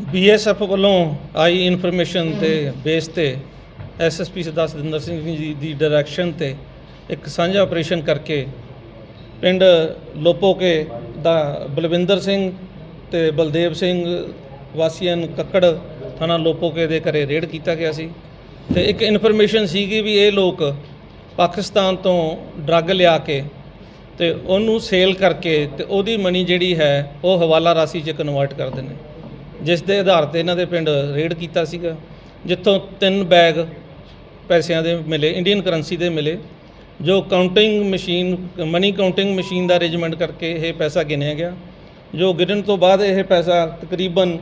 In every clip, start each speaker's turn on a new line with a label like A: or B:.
A: BSF ਵੱਲੋਂ ਆਈ information ਤੇ ਬੇਸ ਤੇ SSP ਸਰਦਾਰ ਸਤਿੰਦਰ ਸਿੰਘ ਜੀ ਦੀ ਡਾਇਰੈਕਸ਼ਨ ਤੇ ਇੱਕ ਸਾਂਝਾ ਆਪਰੇਸ਼ਨ ਕਰਕੇ ਪਿੰਡ ਲੋਪੋਕੇ ਦਾ ਬਲਵਿੰਦਰ ਸਿੰਘ ਤੇ ਬਲਦੇਵ ਸਿੰਘ ਵਾਸੀਆਂ ਕੱਕੜ ਥਾਣਾ ਲੋਪੋਕੇ ਦੇ ਘਰੇ ਰੇਡ ਕੀਤਾ ਗਿਆ ਸੀ ਤੇ ਇੱਕ ਇਨਫੋਰਮੇਸ਼ਨ ਸੀਗੀ ਵੀ ਇਹ ਲੋਕ ਪਾਕਿਸਤਾਨ ਤੋਂ ਡਰੱਗ ਲਿਆ ਕੇ ਤੇ ਉਹਨੂੰ ਸੇਲ ਕਰਕੇ ਤੇ ਉਹਦੀ ਮਨੀ ਜਿਹੜੀ ਹੈ ਉਹ ਹਵਾਲਾ ਰਾਸ਼ੀ 'ਚ ਕਨਵਰਟ ਕਰਦੇ ਨੇ, ਜਿਸ ਦੇ ਆਧਾਰ ਤੇ ਇਹਨਾਂ ਦੇ ਪਿੰਡ ਰੇਡ ਕੀਤਾ ਸੀਗਾ, ਜਿੱਥੋਂ 3 ਬੈਗ ਪੈਸਿਆਂ ਦੇ ਮਿਲੇ, ਇੰਡੀਅਨ ਕਰੰਸੀ ਦੇ ਮਿਲੇ, ਜੋ counting machine money counting machine ਦਾ ਅਰੇਂਜਮੈਂਟ ਕਰਕੇ ਇਹ ਪੈਸਾ ਗਿਣਿਆ ਗਿਆ, ਜੋ ਗਿਣਨ ਤੋਂ ਬਾਅਦ ਇਹ ਪੈਸਾ ਤਕਰੀਬਨ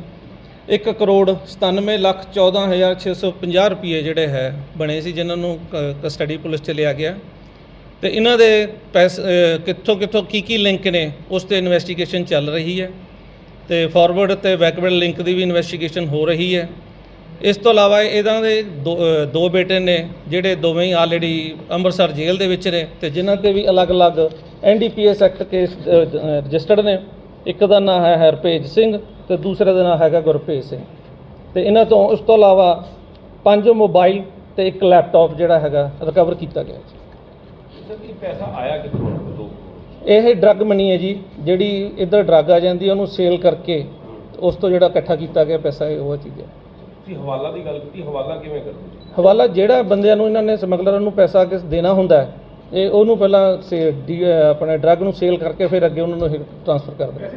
A: 1,97,14,650 ਰੁਪਏ ਜਿਹੜੇ ਹੈ ਬਣੇ ਸੀ, ਜਿਨ੍ਹਾਂ ਨੂੰ ਕਸਟਡੀ ਪੁਲਿਸ 'ਚ ਲਿਆ ਗਿਆ ਤੇ ਇਹਨਾਂ ਦੇ ਪੈਸੇ ਕਿੱਥੋਂ ਕੀ ਲਿੰਕ ਨੇ ਉਸ 'ਤੇ ਇਨਵੈਸਟੀਗੇਸ਼ਨ ਚੱਲ ਰਹੀ ਹੈ ਤੇ ਫਾਰਵਰਡ ਤੇ ਬੈਕਵਰਡ ਲਿੰਕ ਦੀ ਵੀ ਇਨਵੈਸਟੀਗੇਸ਼ਨ ਹੋ ਰਹੀ ਹੈ। ਇਸ ਤੋਂ ਇਲਾਵਾ ਇਹਨਾਂ ਦੇ ਦੋ ਬੇਟੇ ਨੇ ਜਿਹੜੇ ਦੋਵੇਂ ਹੀ ਆਲਰੇਡੀ ਅੰਮ੍ਰਿਤਸਰ ਜੇਲ੍ਹ ਦੇ ਵਿੱਚ ਨੇ ਤੇ ਜਿਨ੍ਹਾਂ 'ਤੇ ਵੀ ਅਲੱਗ-ਅਲੱਗ NDPS ਐਕਟ ਕੇਸ ਰਜਿਸਟਰਡ ਨੇ। ਇੱਕ ਦਾ ਨਾਂ ਹੈ ਹਰਪ੍ਰੀਤ ਸਿੰਘ ਤੇ ਦੂਸਰੇ ਦਾ ਨਾਂ ਹੈਗਾ ਗੁਰਪ੍ਰੀਤ ਸਿੰਘ ਤੇ ਇਹਨਾਂ ਤੋਂ ਉਸ ਤੋਂ ਇਲਾਵਾ 5 ਮੋਬਾਈਲ ਤੇ ਇੱਕ ਲੈਪਟਾਪ ਜਿਹੜਾ ਹੈਗਾ ਰਿਕਵਰ ਕੀਤਾ ਗਿਆ।
B: ਪੈਸਾ ਆਇਆ ਕਿੱਥੋਂ?
A: ਇਹ ਡਰੱਗ ਮਨੀ ਹੈ ਜੀ, ਜਿਹੜੀ ਇੱਧਰ ਡਰੱਗ ਆ ਜਾਂਦੀ ਉਹਨੂੰ ਸੇਲ ਕਰਕੇ ਉਸ ਤੋਂ ਜਿਹੜਾ ਇਕੱਠਾ ਕੀਤਾ ਗਿਆ ਪੈਸਾ ਉਹ ਚੀਜ਼ ਹੈ।
B: ਤੁਸੀਂ ਹਵਾਲਾ ਦੀ ਗੱਲ ਕੀਤੀ, ਹਵਾਲਾ ਕਿਵੇਂ ਕਰਦੇ?
A: ਹਵਾਲਾ ਜਿਹੜਾ ਬੰਦਿਆਂ ਨੂੰ ਇਹਨਾਂ ਨੇ ਸਮਗਲਰਾਂ ਨੂੰ ਪੈਸਾ ਕਿਸ ਦੇਣਾ ਹੁੰਦਾ ਹੈ, ਇਹ ਉਹਨੂੰ ਪਹਿਲਾਂ ਆਪਣੇ ਡਰੱਗ ਨੂੰ ਸੇਲ ਕਰਕੇ ਫਿਰ ਅੱਗੇ ਉਹਨਾਂ ਨੂੰ ਟ੍ਰਾਂਸਫਰ ਕਰ ਦਿੰਦੇ।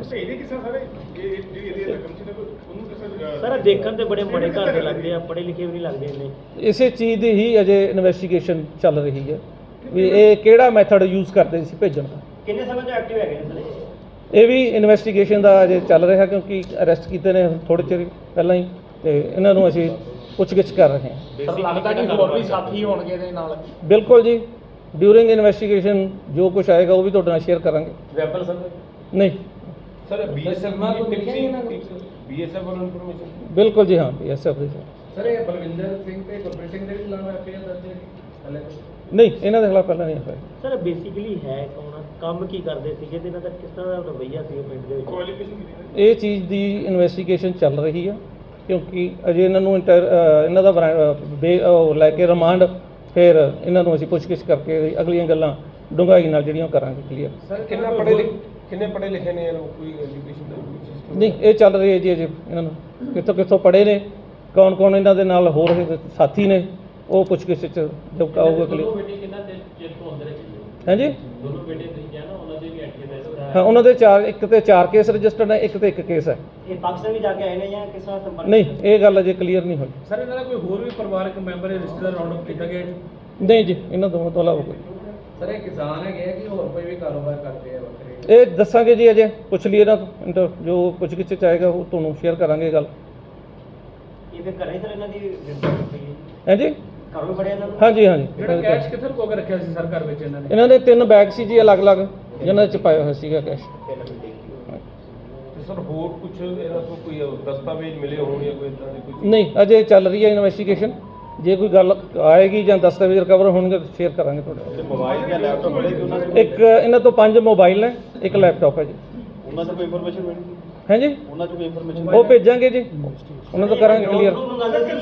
C: ਸਰ ਦੇਖਣ ਤੇ ਬੜੇ ਮਾੜੇ ਘਰ ਦੇ ਲੱਗਦੇ ਆ, ਪੜ੍ਹੇ ਲਿਖੇ ਵੀ ਨਹੀਂ ਲੱਗਦੇ ਇੰਨੇ।
A: ਇਸੇ ਚੀਜ਼ ਦੀ ਹੀ ਅਜੇ ਇਨਵੈਸਟੀਗੇਸ਼ਨ ਚੱਲ ਰਹੀ ਹੈ ਵੀ ਇਹ ਕਿਹੜਾ ਮੈਥਡ ਯੂਜ਼ ਕਰਦੇ ਸੀ ਭੇਜਣ ਦਾ।
C: ਕਿੰਨੇ ਸਮੇਂ ਤੋਂ ਐਕਟਿਵ ਹੈਗੇ ਨੇ ਸਰ?
A: ਇਹ ਵੀ ਇਨਵੈਸਟੀਗੇਸ਼ਨ ਦਾ ਅਜੇ ਚੱਲ ਰਿਹਾ ਕਿਉਂਕਿ ਅਰੈਸਟ ਕੀਤੇ ਨੇ ਥੋੜ੍ਹੇ ਚਿਰ ਪਹਿਲਾਂ ਹੀ ਤੇ ਇਹਨਾਂ ਨੂੰ ਅਸੀਂ ਪੁੱਛਗਿੱਛ ਕਰ ਰਹੇ ਹਾਂ।
C: ਸਰ ਲੱਗਦਾ ਕਿ ਹੋਰ ਵੀ ਸਾਥੀ ਹੋਣਗੇ ਇਹਦੇ ਨਾਲ?
A: ਬਿਲਕੁਲ ਜੀ, ਡਿਊਰਿੰਗ ਇਨਵੈਸਟੀਗੇਸ਼ਨ ਜੋ ਕੁਝ ਆਏਗਾ ਉਹ ਵੀ ਤੁਹਾਡੇ ਨਾਲ ਸ਼ੇਅਰ ਕਰਾਂਗੇ।
C: Weapon sir?
A: ਨਹੀਂ
B: ਸਰ BSF ਨਾਲ ਕੋਈ BSF ਵੱਲੋਂ ਇਨਫੋਰਮੇਸ਼ਨ?
A: ਬਿਲਕੁਲ ਜੀ, ਹਾਂ BSF ਦੇ
D: ਸਰ ਇਹ ਬਲਵਿੰਦਰ ਸਿੰਘ ਤੇ ਗੁਰਪ੍ਰੀਤ ਸਿੰਘ ਦੇ ਖਿਲਾਫ FIR ਦਰਜ ਹੈ?
A: ਨਹੀਂ, ਇਹਨਾਂ ਦੇ ਖਿਲਾਫ ਪਹਿਲਾਂ ਨਹੀਂ ਹੋਇਆ।
C: ਸਰ ਬੇਸਿਕਲੀ ਹੈ ਕੌਣ, ਕੰਮ ਕੀ ਕਰਦੇ ਸੀਗੇ ਤੇ ਇਹਨਾਂ ਦਾ ਕਿਸ ਤਰ੍ਹਾਂ ਦਾ ਰਵੱਈਆ ਸੀ ਪਿੰਡ ਦੇ ਵਿੱਚ?
A: ਇਹ ਚੀਜ਼ ਦੀ ਇਨਵੈਸਟੀਗੇਸ਼ਨ ਚੱਲ ਰਹੀ ਹੈ ਕਿਉਂਕਿ ਅਜੇ ਇਹਨਾਂ ਨੂੰ ਇਹਨਾਂ ਦਾ ਲੈ ਕੇ ਰਿਮਾਂਡ ਫਿਰ ਇਹਨਾਂ ਨੂੰ ਅਸੀਂ ਪੁੱਛਗਿੱਛ ਕਰਕੇ ਅਗਲੀਆਂ ਗੱਲਾਂ ਡੂੰਘਾਈ ਨਾਲ ਜਿਹੜੀਆਂ ਕਰਾਂਗੇ ਕਲੀਅਰ।
B: ਸਰ ਕਿੰਨੇ ਪੜ੍ਹੇ ਲਿਖੇ ਨੇ ਇਹ ਲੋਕ? ਕੋਈ ਐਜੂਕੇਸ਼ਨ ਦਾ
A: ਨਹੀਂ, ਇਹ ਚੱਲ ਰਹੀ ਹੈ ਜੀ ਅਜੇ ਇਹਨਾਂ ਨੂੰ ਕਿੱਥੋਂ ਪੜ੍ਹੇ ਨੇ, ਕੌਣ ਇਹਨਾਂ ਦੇ ਨਾਲ ਹੋਰ ਸਾਥੀ ਨੇ, ਉਹ ਪੁੱਛਗਿੱਛ 'ਚ ਜੋ ਆਊਗਾ ਕਲੀਅਰ। ਹਾਂਜੀ, ਹਾਂ ਉਹਨਾਂ ਦੇ ਇੱਕ ਤੇ 4 ਕੇਸ ਰਜਿਸਟਰਡ ਹੈ, ਇੱਕ ਤੇ 1 ਕੇਸ ਹੈ।
C: ਇਹ ਪਾਕਿਸਤਾਨ ਵੀ ਜਾ ਕੇ ਆਏ ਨੇ ਜਾਂ ਕਿਸ ਤਰ੍ਹਾਂ ਸੰਪਰਕ?
A: ਨਹੀਂ, ਇਹ ਗੱਲ ਅਜੇ ਕਲੀਅਰ ਨਹੀਂ ਹੋਈ।
D: ਸਰ ਇਹਨਾਂ ਦਾ ਕੋਈ ਹੋਰ ਵੀ ਪਰਿਵਾਰਕ ਮੈਂਬਰ ਰਿਸ਼ਤੇਦਾਰ ਰਾਉਂਡ ਅਪ ਕੀਤਾ ਗਿਆ ਜੀ?
A: ਨਹੀਂ ਜੀ, ਇਹਨਾਂ ਦੋਵਾਂ ਤੋਂ ਇਲਾਵਾ ਕੋਈ।
D: ਸਰ ਇਹ ਕਿਸਾਨ ਹੈਗੇ ਆ ਕਿ ਹੋਰ ਕੋਈ ਵੀ ਕਾਰੋਬਾਰ ਕਰਦੇ ਆ ਵੱਖਰੇ?
A: ਇਹ ਦੱਸਾਂਗੇ ਜੀ, ਅਜੇ ਪੁੱਛ ਲਈਏ ਨਾ ਜੋ ਪੁੱਛਗਿੱਛ 'ਚ ਆਏਗਾ ਉਹ ਤੁਹਾਨੂੰ ਸ਼ੇਅਰ ਕਰਾਂਗੇ ਗੱਲ।
C: ਇਹ ਫਿਰ ਘਰੇ ਸਰ ਇਹਨਾਂ ਦੀ ਗ੍ਰਿਫਤਾਰੀ ਪਈ ਹੈ?
A: ਹਾਂਜੀ,
C: ਘਰ ਵੀ ਫੜਿਆ ਇਹਨਾਂ ਨੂੰ?
A: ਹਾਂਜੀ।
D: ਜਿਹੜਾ ਕੈਸ਼ ਕਿੱਥੇ ਲੁਕੋ ਕੇ ਰੱਖਿਆ ਸੀ ਸਰ ਘਰ ਵਿੱਚ ਇਹਨਾਂ ਨੇ?
A: ਇਹਨਾਂ ਦੇ 3 ਬੈਗ ਸੀ ਜੀ ਅਲੱਗ-ਅਲੱਗ, ਜਿਨ੍ਹਾਂ 'ਚ ਪਾਇਆ ਹੋਇਆ ਸੀਗਾ ਕੈਸ਼।
B: ਤੇ ਸਰ ਹੋਰ ਕੁਝ ਇਹਨਾਂ ਤੋਂ ਕੋਈ ਦਸਤਾਵੇਜ਼ ਮਿਲੇ ਹੋਣ ਜਾਂ ਕੋਈ ਇਦਾਂ ਦੀ ਕੋਈ?
A: ਨਹੀਂ, ਅਜੇ ਚੱਲ ਰਹੀ ਹੈ ਇਨਵੈਸਟੀਗੇਸ਼ਨ। ਜੇ ਕੋਈ ਗੱਲ ਆਏਗੀ ਜਾਂ ਦਸਤਾਵੇਜ਼ ਰਿਕਵਰ ਹੋਣਗੇ ਤਾਂ ਸ਼ੇਅਰ ਕਰਾਂਗੇ ਤੁਹਾਡੇ ਨਾਲ।
B: ਮੋਬਾਈਲ ਜਾਂ ਲੈਪਟਾਪ ਮਿਲੇ ਕਿ ਉਹਨਾਂ ਦੇ?
A: ਇੱਕ ਇਹਨਾਂ ਤੋਂ 5 ਮੋਬਾਈਲ ਨੇ, ਇੱਕ ਲੈਪਟਾਪ ਹੈ ਜੀ।
B: ਉਹਨਾਂ ਤੋਂ ਕੋਈ ਇਨਫੋਰਮੇਸ਼ਨ ਮਿਲੀ?
A: ਹਾਂਜੀ,
B: ਉਹਨਾਂ ਤੋਂ ਕੋਈ ਇਨਫੋਰਮੇਸ਼ਨ?
A: ਉਹ ਭੇਜਾਂਗੇ ਜੀ, ਉਹਨਾਂ ਤੋਂ ਕਰਾਂਗੇ ਕਲੀਅਰ। ਹਾਂਜੀ,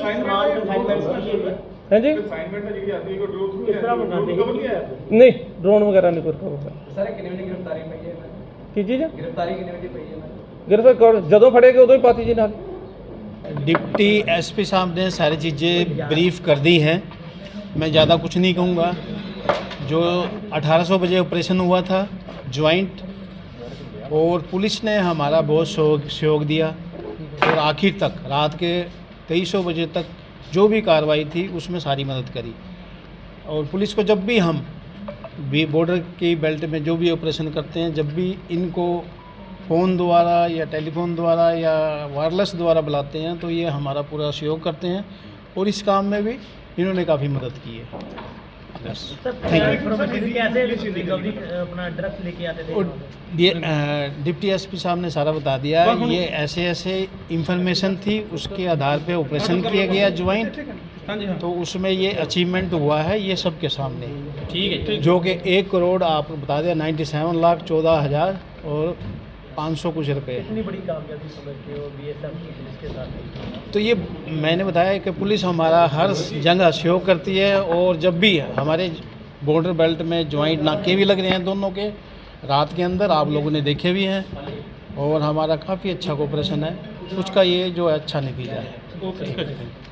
D: ਅਸਾਈਨਮੈਂਟ ਹੈ ਜਿਹੜੀ ਆਦੀ ਹੈ ਕੋਈ ਡਰੋਨ
C: ਕਿਸ ਤਰ੍ਹਾਂ ਮੰਗਾਉਂਦੇ ਸੀ?
A: ਨਹੀਂ, ਡਰੋਨ ਵਗੈਰਾ ਨਹੀਂ ਕੋਈ ਰਿਕਵਰ ਹੋਇਆ।
D: ਸਰ ਕਿੰਨੇ ਵਜੇ ਗ੍ਰਿਫਤਾਰੀ ਪਈ ਹੈ?
A: ਕੀ ਚੀਜ਼?
D: ਗ੍ਰਿਫਤਾਰੀ ਕਿੰਨੇ ਵਜੇ ਪਈ ਹੈ?
A: गिरफ्तार ਜਦੋਂ ਫੜੇਗੇ ਉਦੋਂ ਹੀ ਪਾਤੀ ਜੀ ਨਾਲ।
E: डिप्टी एसपी साहब ने सारी चीज़ें ब्रीफ कर दी हैं, मैं ज़्यादा कुछ नहीं कहूँगा। जो 1800 बजे ऑपरेशन हुआ था ज्वाइंट, और पुलिस ने हमारा बहुत सहयोग दिया और आखिर तक रात के 2300 बजे तक जो भी कार्रवाई थी उसमें सारी मदद करी। और पुलिस को जब भी हम भी बॉर्डर की बेल्ट में जो भी ऑपरेशन करते हैं, जब भी इनको फ़ोन द्वारा या टेलीफोन द्वारा या वायरलेस द्वारा बुलाते हैं तो ये हमारा पूरा सहयोग करते हैं और इस काम में भी इन्होंने काफ़ी मदद की है। बस थैंक यू।
C: अपना ड्रग्स लेके आते थे?
E: और डिप्टी एसपी साहब ने सारा बता दिया। ये ऐसे इंफॉर्मेशन थी, उसके आधार पे ऑपरेशन किया गया ज्वाइंट, तो उसमें ये अचीवमेंट हुआ है, ये सबके सामने।
C: ठीक है,
E: जो कि 1 करोड़ आपको बता दिया 97,14,00,000 और 500 कुछ रुपये।
C: इतनी बड़ी कामयाबी समझते हो बीएसएफ की पुलिस के साथ?
E: तो ये मैंने बताया कि पुलिस हमारा हर जगह सहयोग करती है, और जब भी हमारे बॉर्डर बेल्ट में जॉइंट नाके भी लग रहे हैं दोनों के, रात के अंदर आप लोगों ने देखे भी हैं, और हमारा काफ़ी अच्छा कोऑपरेशन है, उसका ये जो है अच्छा नतीजा है।